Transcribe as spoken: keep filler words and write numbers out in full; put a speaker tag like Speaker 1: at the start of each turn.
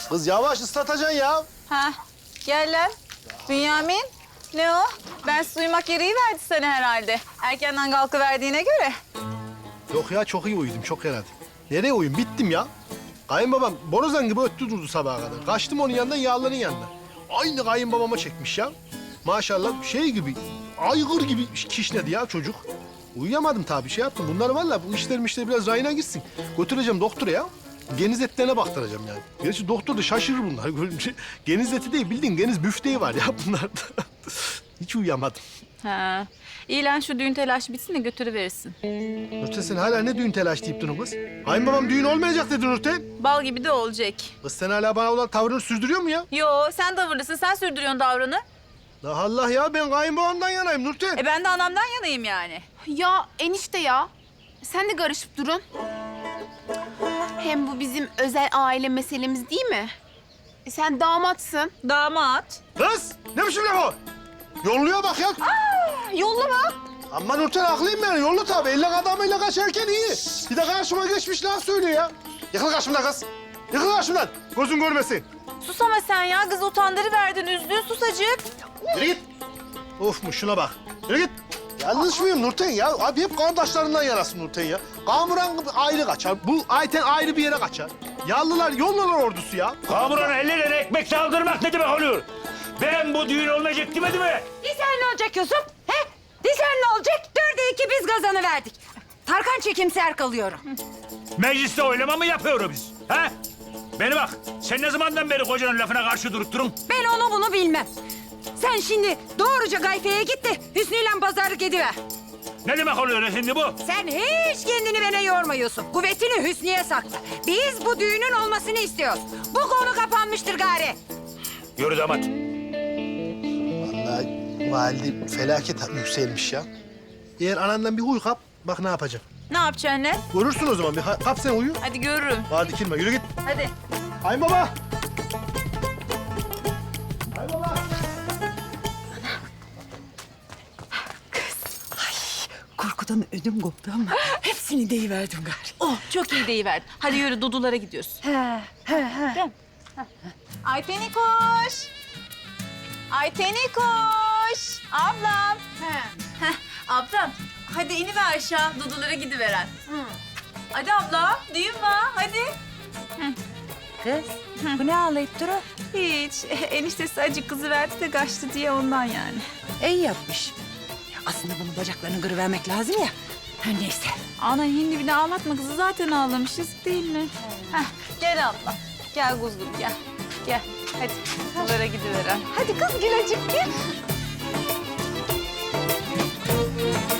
Speaker 1: Kız yavaş ıslatacaksın ya.
Speaker 2: Ha, gel lan. Bünyamin, ne o? Ben uyumak gereği verdi sana herhalde. Erkenden kalkıverdiğine göre.
Speaker 1: Yok ya çok iyi uyudum çok herhalde. Nereye uyuyayım? Bittim ya. Kayınbabam borazan gibi öttü durdu sabaha kadar. Kaçtım onun yanından yağların yanına. Aynı kayınbabama çekmiş ya. Maşallah şey gibi, aygır gibi kişnedi ya çocuk. Uyuyamadım tabii şey yaptım. Bunlar vallahi bu işlerim işte biraz rayına gitsin. Götüreceğim doktora ya. Geniz etlerine baktıracağım yani. Gerçi doktor da şaşırır bunlar görünce. Geniz eti değil bildiğin geniz büfteği var ya bunlarda. Hiç uyuyamadım.
Speaker 2: Ha, iyi lan şu düğün telaşı bitsin de götürüverirsin.
Speaker 1: Nurten sen hala ne düğün telaş deyip durun kız? Kayınbabam düğün olmayacak dedi Nurten.
Speaker 2: Bal gibi de olacak.
Speaker 1: Kız sen hala bana olan tavrını sürdürüyor mu ya?
Speaker 2: Yo, sen tavırlısın, sen sürdürüyorsun davranı.
Speaker 1: La Allah ya ben kayınbabamdan yanayım Nurten.
Speaker 2: E ben de anamdan yanayım yani.
Speaker 3: Ya enişte ya. Sen de karışıp durun. Hem bu bizim özel aile meselemiz değil mi? E sen damatsın.
Speaker 2: Damat.
Speaker 1: Kız ne biçim laf o? Yolluyor bak ya.
Speaker 2: Yollama.
Speaker 1: Ama Nurten haklıyım ben. Yollu tabii. Elle adamıyla kaçarken iyi. Bir de karşıma geçmiş laf söylüyor ya. Yıkıl karşımdan kız. Yıkıl karşımdan. Gözün görmesin.
Speaker 2: Sus ama sen ya, kız utandırıverdin, üzdün susacık.
Speaker 1: Yürü git. Of mu şuna bak. Yürü git. Yanlış mıyım Nurten ya? Abi hep kardeşlerinden yarasın Nurten ya. Kamuran ayrı kaçar. Bu Ayten ayrı bir yere kaçar. Yallılar yollular ordusu ya.
Speaker 4: Kamuran ellerine ekmek saldırmak ne demek oluyor? Ben bu düğün olmayacak demedi mi?
Speaker 5: Disen ne olacak Yusuf? He? Disen ne olacak? Dörde iki biz kazanı verdik. Tarkan çekimser kalıyorum.
Speaker 4: Mecliste oylama mı yapıyoruz biz? Ha? Beni bak, sen ne zamandan beri kocanın lafına karşı durup durun?
Speaker 5: Ben onu bunu bilmem. Sen şimdi doğruca Gayfe'ye git de Hüsnü'yle pazarlık ediver.
Speaker 4: Ne demek oluyor şimdi bu?
Speaker 5: Sen hiç kendini bana yorma Yusuf. Kuvvetini Hüsnü'ye sakla. Biz bu düğünün olmasını istiyoruz. Bu konu kapanmıştır gari.
Speaker 4: Yürü damat.
Speaker 1: Vallahi valide felaket yükselmiş ya. Eğer anandan bir huy kap, bak ne yapacağım.
Speaker 2: Ne yapacaksın lan?
Speaker 1: Görürsün o zaman. Bir ha- kap sen uyu.
Speaker 2: Hadi görürüm.
Speaker 1: Hadi dikilme. Yürü git.
Speaker 2: Hadi.
Speaker 1: Kayınbaba. Kayınbaba.
Speaker 5: Korkudan ödüm koptu ama hepsini deyiverdim gari.
Speaker 2: Oh, çok iyi deyiverdin. Hadi yürü, Dudulara gidiyoruz.
Speaker 5: He, he, he.
Speaker 2: Değil mi? Ayteni koş. Ayteni koş. Ablam. Heh, ablam. Hadi iniver aşağı, Dudulara gidiveren. Hadi abla, düğün var. Hadi.
Speaker 5: Kız, bu ne ağlayıp duru?
Speaker 2: Hiç. Eniştesi acık kızı verdi de kaçtı diye ondan yani.
Speaker 5: İyi yapmış. Ya aslında bunun bacaklarını kırıvermek lazım ya. Her neyse.
Speaker 2: Ana hindi bir de ağlatma kızı, zaten ağlamışız değil mi? Heh, gel abla. Gel kuzum gel. Gel. Hadi. Dudulara gidiveren. Hadi kız Gülacık gel.